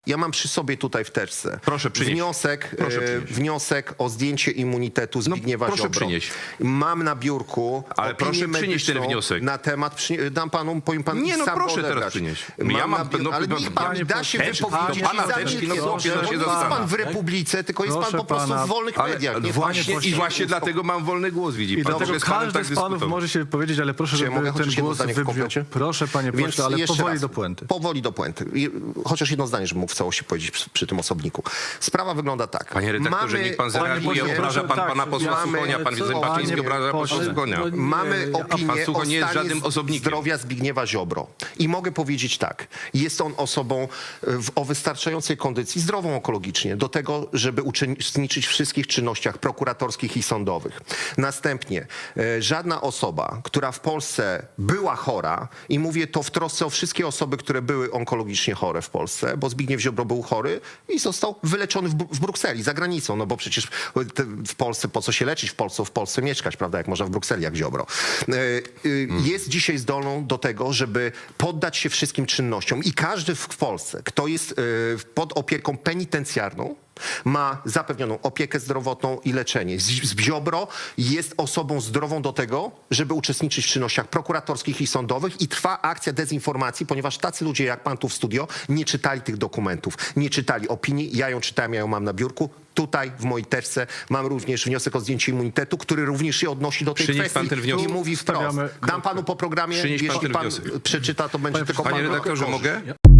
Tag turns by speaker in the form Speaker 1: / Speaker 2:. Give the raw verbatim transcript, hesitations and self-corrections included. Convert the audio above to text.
Speaker 1: Ja mam przy sobie tutaj w teczce
Speaker 2: Proszę przynieść.
Speaker 1: wniosek,
Speaker 2: Proszę
Speaker 1: e,
Speaker 2: przynieść.
Speaker 1: wniosek o zdjęcie immunitetu Zbigniewa
Speaker 2: proszę
Speaker 1: Ziobro.
Speaker 2: przynieść.
Speaker 1: Mam na biurku
Speaker 2: Ale
Speaker 1: opinię
Speaker 2: proszę przynieść ten
Speaker 1: medyczną
Speaker 2: wniosek.
Speaker 1: na temat, przy, dam panu, powiem pan
Speaker 2: Nie, no
Speaker 1: sam
Speaker 2: proszę
Speaker 1: odebrać.
Speaker 2: teraz przynieść.
Speaker 1: Mam
Speaker 2: Ja mam-
Speaker 1: na biur-
Speaker 2: no,
Speaker 1: ale
Speaker 2: no,
Speaker 1: niech pan
Speaker 2: panie
Speaker 1: mi da się
Speaker 2: pośle,
Speaker 1: wypowiedzieć.
Speaker 2: pana
Speaker 1: i
Speaker 2: teczki,
Speaker 1: zacznie
Speaker 2: no,
Speaker 1: coś.
Speaker 2: chłopie, no się
Speaker 1: Nie jest
Speaker 2: zastanawia.
Speaker 1: pan w Republice, tylko jest pan
Speaker 3: Proszę
Speaker 1: po prostu
Speaker 3: pana,
Speaker 1: w wolnych
Speaker 2: Ale
Speaker 1: mediach. Niech
Speaker 2: właśnie,
Speaker 1: pan się
Speaker 2: i właśnie
Speaker 1: uspokoi.
Speaker 2: dlatego mam wolny głos, widzi
Speaker 3: I
Speaker 2: pan.
Speaker 3: dlatego
Speaker 2: Mogę z panem
Speaker 3: każdy
Speaker 2: tak
Speaker 3: z panów
Speaker 2: dyskutować.
Speaker 3: może się wypowiedzieć, ale proszę,
Speaker 1: Czy ja
Speaker 3: żeby
Speaker 1: mogę
Speaker 3: ten
Speaker 1: chociaż jedno
Speaker 3: głos
Speaker 1: zdanie w
Speaker 3: wybrzmiał.
Speaker 1: powiecie?
Speaker 3: Proszę, panie
Speaker 1: Więc
Speaker 3: pośle, ale
Speaker 1: jeszcze
Speaker 3: powoli
Speaker 1: raz,
Speaker 3: do puenty.
Speaker 1: Powoli do puenty. I chociaż jedno zdanie, żebym mógł w całości powiedzieć przy, przy tym osobniku. Sprawa wygląda tak.
Speaker 2: Panie redaktorze, niech pan zareaguje,
Speaker 3: pośle,
Speaker 2: obraża pan
Speaker 3: tak,
Speaker 2: pana posła
Speaker 3: mamy-
Speaker 2: Suchonia, pan
Speaker 3: co-
Speaker 2: Zembaczyński
Speaker 3: panie
Speaker 2: obraża posła
Speaker 3: pośle,
Speaker 2: Suchonia.
Speaker 3: no nie,
Speaker 1: Mamy
Speaker 3: a
Speaker 1: opinię
Speaker 2: pan Sucho
Speaker 1: o
Speaker 2: nie jest
Speaker 1: stanie
Speaker 2: żadnym osobnikiem.
Speaker 1: zdrowia Zbigniewa Ziobro. I mogę powiedzieć tak. Jest on osobą w, o wystarczającej kondycji, zdrową onkologicznie, do tego, żeby uczestniczyć w wszystkich czynnościach prokuratorskich i sądowych. Następnie e, żadna osoba, która w Polsce była chora, i mówię to w trosce o wszystkie osoby, które były onkologicznie chore w Polsce, bo Zbigniew Ziobro był chory i został wyleczony w, Bru- w Brukseli, za granicą, no bo przecież te, w Polsce, po co się leczyć w Polsce, w Polsce mieszkać, prawda, jak można w Brukseli, jak Ziobro. E, y, Jest dzisiaj zdolną do tego, żeby poddać się wszystkim czynnościom i każdy w w Polsce, kto jest e, pod opieką penitencjarną, ma zapewnioną opiekę zdrowotną i leczenie. Z- z- Ziobro jest osobą zdrową do tego, żeby uczestniczyć w czynnościach prokuratorskich i sądowych i trwa akcja dezinformacji, ponieważ tacy ludzie jak pan tu w studio nie czytali tych dokumentów, nie czytali opinii. Ja ją czytałem, ja ją mam na biurku. Tutaj w mojej teczce mam również wniosek o zdjęcie immunitetu, który również się odnosi do tej
Speaker 2: Przynieś
Speaker 1: kwestii
Speaker 2: pan ten wniosek.
Speaker 1: i mówi wprost.
Speaker 3: Stawiamy
Speaker 1: Dam panu po programie,
Speaker 2: Przynieś pan
Speaker 1: jeśli
Speaker 2: ten
Speaker 1: pan
Speaker 2: wniosek.
Speaker 1: przeczyta, to będzie
Speaker 3: Panie
Speaker 1: tylko
Speaker 2: Panie
Speaker 1: pan
Speaker 2: redaktorze,
Speaker 1: korzyść.
Speaker 2: mogę?